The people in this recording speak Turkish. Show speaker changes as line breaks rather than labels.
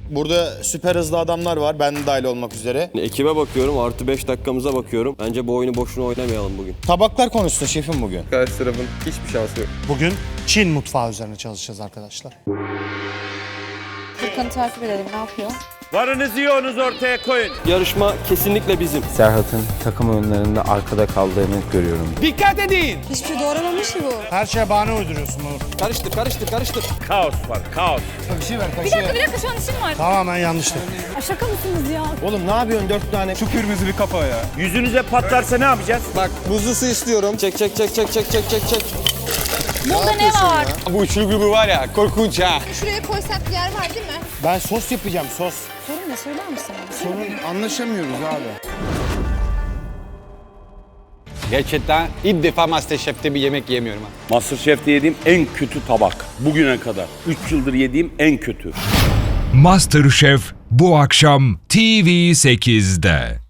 Burada süper hızlı adamlar var, ben de dahil olmak üzere.
Ekibe bakıyorum, artı 5 dakikamıza bakıyorum. Bence bu oyunu boşuna oynamayalım bugün.
Tabaklar konusunda şefim bugün.
Karşı tarafın hiçbir şansı yok.
Bugün Çin mutfağı üzerine çalışacağız arkadaşlar.
Furkan'ı takip edelim, ne yapıyor?
Varınızı yoğunuz ortaya koyun.
Yarışma kesinlikle bizim.
Serhat'ın takım oyunlarında arkada kaldığını görüyorum.
Dikkat edin.
Hiçbir şey doğramamış ki bu.
Her şeye bahane uyduruyorsun Uğur.
Karıştır.
Kaos var, kaos.
Bir dakika şu an işim var.
Tamamen yanlıştı.
Şaka mısınız ya?
Oğlum ne yapıyorsun 4 tane?
Şu kırmızı bir kafa ya. Yüzünüze patlarsa ne yapacağız?
Bak buzlu su istiyorum. Çek.
Bunda ne var?
Bu üçlü grubu var ya korkunç ha.
Şuraya koysak yer var değil mi?
Ben sos yapacağım, sos.
Sorun ne söyler misin?
Sorun anlaşamıyoruz abi.
Gerçekten ilk defa Masterchef'te bir yemek yemiyorum ha.
Masterchef'te yediğim en kötü tabak. Bugüne kadar. 3 yıldır yediğim en kötü.
MasterChef bu akşam TV8'de.